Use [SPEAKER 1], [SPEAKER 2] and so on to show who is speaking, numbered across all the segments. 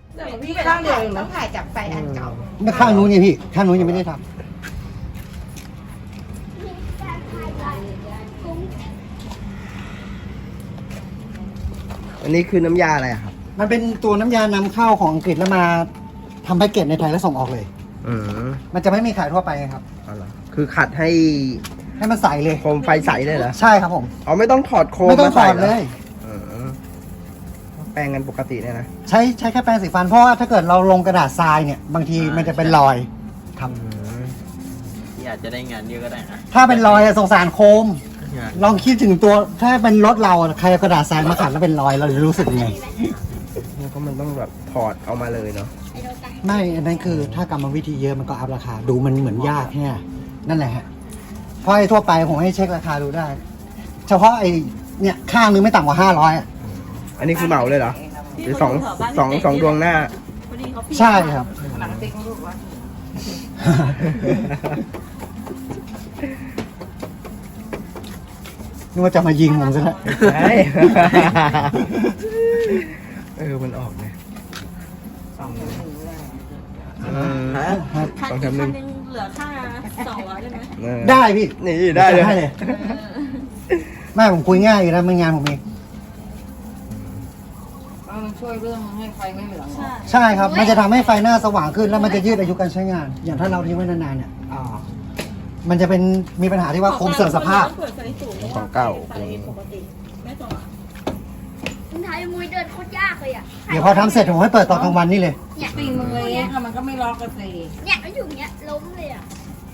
[SPEAKER 1] พี่ข้างเดียวต้องถ่ายจากไฟอันเก่า
[SPEAKER 2] ไม่ข้างนู้นไงพี่ข้างนู้นยังไม่ได้ท
[SPEAKER 3] อันนี้คือน้ำยาอะไรอะครับ
[SPEAKER 2] ำมันเป็นตัวน้ำยานำเข้าของอังกฤษแล้วมาทำแพ็กเกจในไทยแล้วส่งออกเลย
[SPEAKER 3] อืม
[SPEAKER 2] มันจะไม่มีขายทั่วไปไงครับ
[SPEAKER 3] เอาเหรอคือขัดให้
[SPEAKER 2] ให้มันใสเลย
[SPEAKER 3] โคมไฟใสเลยเหรอ
[SPEAKER 2] ใช่ครับผม
[SPEAKER 3] อ๋อไม่ต้องถอดโคม
[SPEAKER 2] ไม่ต้อง
[SPEAKER 3] มา
[SPEAKER 2] ถ
[SPEAKER 3] ใส่
[SPEAKER 2] อด
[SPEAKER 3] หร
[SPEAKER 2] เลย
[SPEAKER 3] อืมแปรงกันปกติเนี่ยนะ
[SPEAKER 2] ใช้แค่แปรงสีฟันเพราะว่าถ้าเกิดเราลงกระดาษทรายเนี่ยบางทีมันจะเป็นรอยครับ
[SPEAKER 4] ที่อาจจะได้งานเยอะก็ได้นะ
[SPEAKER 2] ถ้าเป็นรอยอะสงสารโคม ลองคิดถึงตัวถ้าเป็นรถเราอะใครเอากระดาษทรายมาขัดแล้วเป็นรอยเราจะรู้สึกยังไง
[SPEAKER 3] แล้วก็มันต้องแบบถอดเอามาเลยเนาะ
[SPEAKER 2] ไม่อันนั้นคือถ้ากรรมวิธีเยอะมันก็อัพราคาดูมันเหมือนยากแค่นั่นแหละฮะเพราะไอ้ทั่วไปผมให้เช็คราคาดูได้ เฉพาะไอ้เนี่ยข้างนึงไม่ต่ำกว่า500อ่ะ
[SPEAKER 3] อันนี้คือเหมาเลยเหรอหรือสองดวงหน้า
[SPEAKER 2] ใช่ครับ
[SPEAKER 1] หลังติ๊กลูกว่า
[SPEAKER 2] นึกว่าจะมายิงผมซะแล้ว
[SPEAKER 3] ใช่มันออกเลย
[SPEAKER 5] คัน
[SPEAKER 3] สอง
[SPEAKER 5] อีก
[SPEAKER 3] แถมห
[SPEAKER 5] คั
[SPEAKER 3] นึ่
[SPEAKER 5] น
[SPEAKER 3] ง
[SPEAKER 5] หนึงเหลือค่า200ได้ไหม
[SPEAKER 2] ได้พี่
[SPEAKER 3] นี่ได้เลย
[SPEAKER 2] ได้เลยไม่ผมคุยง่ายอยู่แล้วไม่งานผมเอง
[SPEAKER 1] มันช่วยเรื่องให้ไฟไม่เหลือง
[SPEAKER 5] ใช่
[SPEAKER 2] ใช่ครับ มันจะทำให้ไฟหน้าสว่างขึ้นแล้วมันจะยืดอายุการใช้งาน อย่างถ้าเราทิ้งไว้นานๆเนี่ยมันจะเป็นมีปัญหาที่ว่าโคมเสื่อมสภาพ
[SPEAKER 5] เปิดไฟสูง
[SPEAKER 3] ของเก่า
[SPEAKER 5] ไฟปกติไม่สว่าง
[SPEAKER 6] มึงถ่ายมุ้ยเดินโคตรยากเลยอ่ะ
[SPEAKER 2] เดี๋ยวพอทำเสร็จผมให้เปิดตอนกลางวันนี่เลย
[SPEAKER 1] ตีมือเองค่ะมันก็ไม่ล็อกกระสี
[SPEAKER 6] เนี่ยมันอยู่อย่างเงี้ยล้มเลยอ่ะ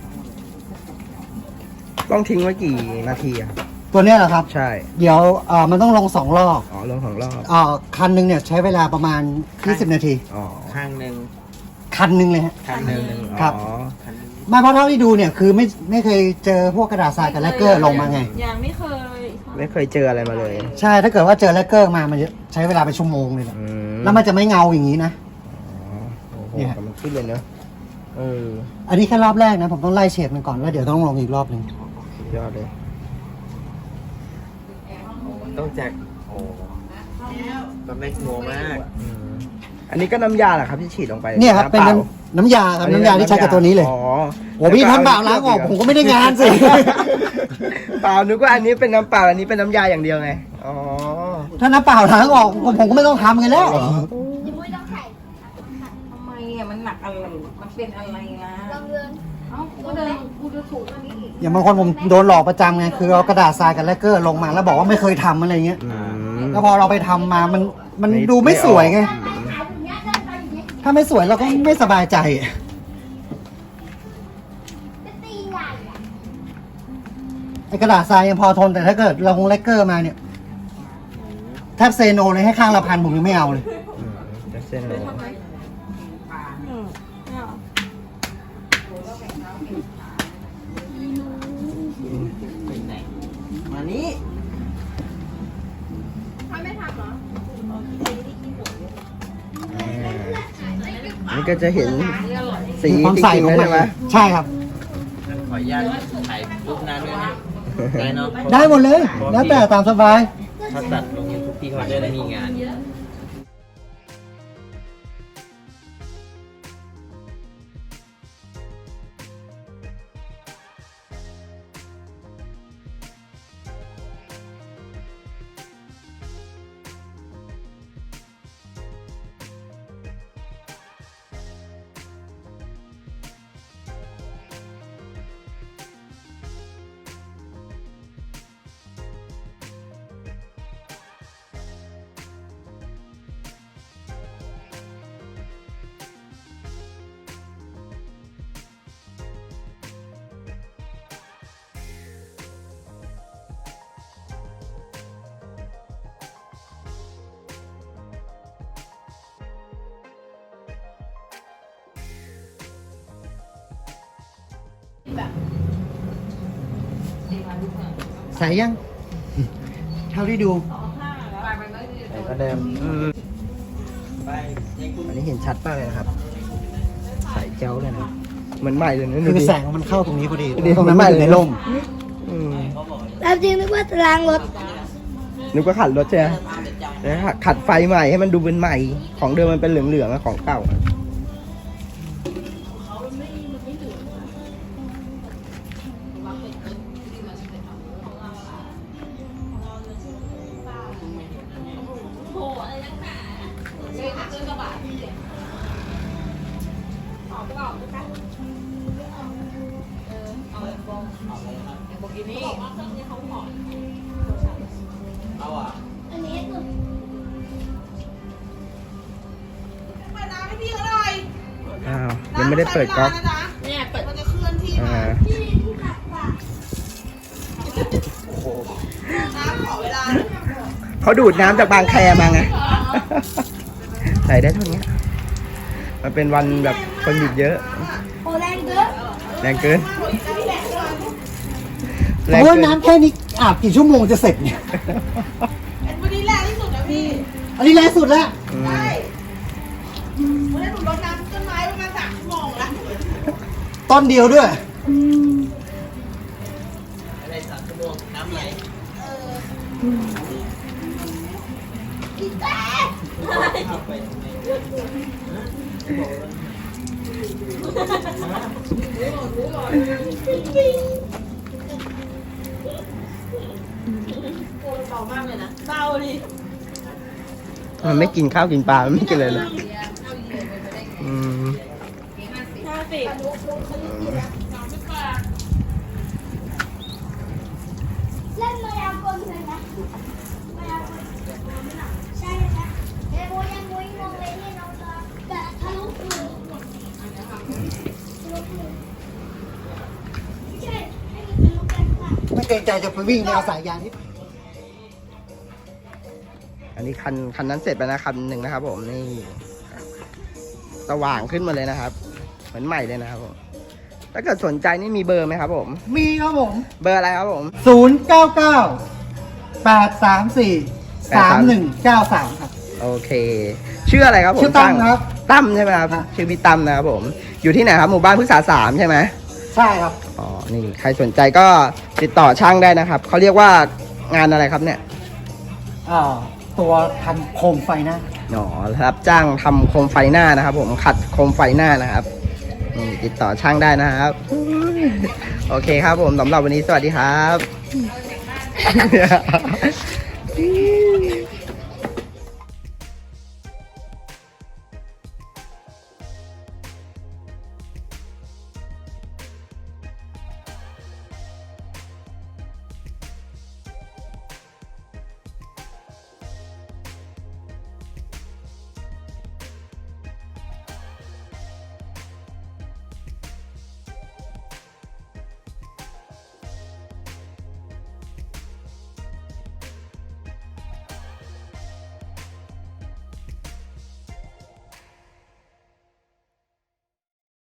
[SPEAKER 3] ต้องทิ้งไว้กี่นาทีอะ
[SPEAKER 2] ตัวเนี้ยเหรอครับ
[SPEAKER 3] ใช่
[SPEAKER 2] เดี๋ยวมันต้องลง2 รอบ
[SPEAKER 3] อ๋อลง2 รอบ
[SPEAKER 2] คันหนึงเนี่ยใช้เวลาประมาณ20 นาที
[SPEAKER 3] อ๋อ
[SPEAKER 4] ข้างหนึ่ง
[SPEAKER 2] คันหนึงเลยฮะ
[SPEAKER 4] ข้างหนึ่ง
[SPEAKER 2] ครับ
[SPEAKER 3] อ๋อ
[SPEAKER 4] ข้างหนึ่ง
[SPEAKER 2] ไม่เพราะเท่าที่ดูเนี่ยคือไม่เคยเจอพวกกระดาษทรายกับแลกเกอร์ลงมาไง
[SPEAKER 5] ยังไม่เคย
[SPEAKER 3] ไม่เคยเจออะไรมาเลย
[SPEAKER 2] ใช่ถ้าเกิดว่าเจอแลกเกอร์มามันจะใช้เวลาเป็นชั่วโมงเลยแหละ
[SPEAKER 3] อืม
[SPEAKER 2] แล้วมันจะไม่เงาอย่างนี้นะ
[SPEAKER 3] อ๋อโอ้โห
[SPEAKER 2] เนี่ย
[SPEAKER 3] แต่มันขึ้นเลยเนอะ
[SPEAKER 2] อันนี้แค่รอบแรกนะผมต้องไล่เฉดมันก่อนแล้วเดี๋ยวต้องลงอีกรอบหนึ่ง
[SPEAKER 3] สุดยอดเลย
[SPEAKER 4] ต้องแจกโอ้มันไม่งัวมาก
[SPEAKER 3] อันนี้ก็น้ำยาแหละครับที่ฉีดลงไป
[SPEAKER 2] เนี่ยครับเป็น
[SPEAKER 3] ำปล่า
[SPEAKER 2] น้ำยาครับน้ำยาที่ใช้กับตัวนี้เลย
[SPEAKER 3] อ๋อ
[SPEAKER 2] โอ้พี่น้ำเปล่าล้างออกผมก็ไม่ได้งานสิ
[SPEAKER 3] เปล่านึกว่าอันนี้เป็นน้ำเปล่าอันนี้เป็นน้ำยาอย่างเดียวไง อ๋อ
[SPEAKER 2] ถ้าน้ำเปล่าล้างออกผมก็ไม่ต้องทำกันแล้ว
[SPEAKER 6] มุ้ยต้องใส่
[SPEAKER 1] ทำไมอ่ะมันหนักอะไรมันเป็นอะไรนะ
[SPEAKER 6] ลองเดิน
[SPEAKER 1] เอ้ากูเดินกูจะถูกอันนี้อีก
[SPEAKER 2] อย่างบางคนผมโดนหลอกประจำไงคือเอากระดาษทรายกับแลกเกอร์ลงมาแล้วบอกว่าไม่เคยทำอะไรเงี้ย
[SPEAKER 3] อืม
[SPEAKER 2] แล้วพอเราไปทำมามันดูไม่สวยไง
[SPEAKER 6] ถ่ายอย่างเงี้ยเดินไปอย่างเงี้ย
[SPEAKER 2] ถ้าไม่สวยเราก็ไม่สบายใจ
[SPEAKER 6] จะตีใหญ่อ่ะ
[SPEAKER 2] ไอ้กระดาษทรายยังพอทนแต่ถ้าเกิดเราคงแลกเกอร์มาเนี่ยแทบเซโนเลยให้ข้างละ1,000ผมยังไม่เอาเลย
[SPEAKER 3] จะเส้นเลย
[SPEAKER 5] ทำไมไม่เอา
[SPEAKER 4] ไปไหน มานี้
[SPEAKER 3] นี่ก็จะเห็นสี
[SPEAKER 2] มีความ
[SPEAKER 3] จ
[SPEAKER 2] ใส
[SPEAKER 3] ริง
[SPEAKER 2] ข
[SPEAKER 3] ๆ
[SPEAKER 2] อง
[SPEAKER 3] แล้ว
[SPEAKER 2] มั
[SPEAKER 3] ใช่ไหม
[SPEAKER 2] ใช่ครับ
[SPEAKER 4] ขออนุญาตถ่ายรูปหน้าด้วยนะได้เนาะ
[SPEAKER 2] ได้หมดเลย แล้วแต่ตามสบาย
[SPEAKER 4] ถ้าตัดลงยูทูบพี่เขาจะได้มีงาน
[SPEAKER 2] ใส่ยัง เท่าที่ดู
[SPEAKER 3] แต่ก็เดิมอันนี้เห็นชัดมากเลยนะครับใสเจ้าเลยนะเหมือนใหม่เลยนะดู
[SPEAKER 2] คือ
[SPEAKER 3] ดิ
[SPEAKER 2] แสงมันเข้าตรงนี้พอดี
[SPEAKER 3] ดี
[SPEAKER 2] ตรงนั้นมันอยู่ในร่ม
[SPEAKER 3] อืม
[SPEAKER 6] แล้วจริงนึกว่าจะล้างรถ
[SPEAKER 3] นึกว่าขัดรถใช่ไหม
[SPEAKER 2] ไ
[SPEAKER 3] นะฮะขัดไฟใหม่ให้มันดูเป็นใหม่ ของเดิมมันเป็นเหลืองๆอะของเก่า
[SPEAKER 6] อันนี้คือ
[SPEAKER 3] อ้าวยังไม่ได้เปิดก๊อก
[SPEAKER 5] เนี่ยเปิด
[SPEAKER 3] อ่า
[SPEAKER 6] ที่ขัดปาก
[SPEAKER 3] เขาดูดน้ำจากบางแคมาไง ใส่ได้เท่านี้มันเป็นวันแบบคนหยุดเยอะ
[SPEAKER 6] โอ้แรงเกิน
[SPEAKER 3] แรงเกิน
[SPEAKER 2] เพราะว่าน้ำแค่นี้อาบกี่ชั่วโมงจะเสร็จเนี่ย
[SPEAKER 7] วันนี้แรงที่สุดนะพี่
[SPEAKER 2] อันนี้แรงสุดแล้ว
[SPEAKER 3] อืม
[SPEAKER 7] ใช่วันนี้หนูรดน้ำต้นไม้ประมาณ3 ชั่วโมงแล้ว
[SPEAKER 2] ต้นเดียวด้วย
[SPEAKER 6] อีแป๊ะ
[SPEAKER 5] เบามากเลยนะเบาดิ
[SPEAKER 3] มันไม่กินข้าวกินปลา มันไม่กินเลยเลยอืม
[SPEAKER 5] 50
[SPEAKER 6] เล่นมายากลเลยนะมายากลใช่ไหมเอ้ยโมยังโมยงงเลยเนี่ยน้องจะแต่ทะลุหูทะลุหูไม่ใช่ให้มันทะลุกันค่ะ
[SPEAKER 2] ไม่เกรงใจจะไปวิ่งแนวสายยางที่
[SPEAKER 3] อันนี้คันนั้นเสร็จไปนะคันหนึ่งนะครับผมนี่สว่างขึ้นมาเลยนะครับ เหมือนใหม่เลยนะครับผมถ้าเกิดสนใจนี่มีเบอร์ไหมครับผม
[SPEAKER 2] มีครับผม
[SPEAKER 3] เบอร์อะไรครับผม
[SPEAKER 2] 099-834-3193 ครับ
[SPEAKER 3] โอเค ชื่ออะไรครับผม
[SPEAKER 2] ชื่อตั้มครับ
[SPEAKER 3] ตั้มใช่ไหมครับ
[SPEAKER 2] ครับ
[SPEAKER 3] ชื่อพี่ตั้มนะครับผม อยู่ที่ไหนครับหมู่บ้านพฤกษา3ใช่ไหม
[SPEAKER 2] ใช่ครับ
[SPEAKER 3] อ๋อนี่ใครสนใจก็ติดต่อช่างได้นะครับเขาเรียกว่างานอะไรครับเนี่ย
[SPEAKER 2] ตัวทำโคมไฟหน้า
[SPEAKER 3] อ๋อรับจ้างทำโคมไฟหน้านะครับ ผมขัดโคมไฟหน้านะครับนี่ติดต่อช่างได้นะครับ โอเคครับผมสำหรับวันนี้สวัสดีครับ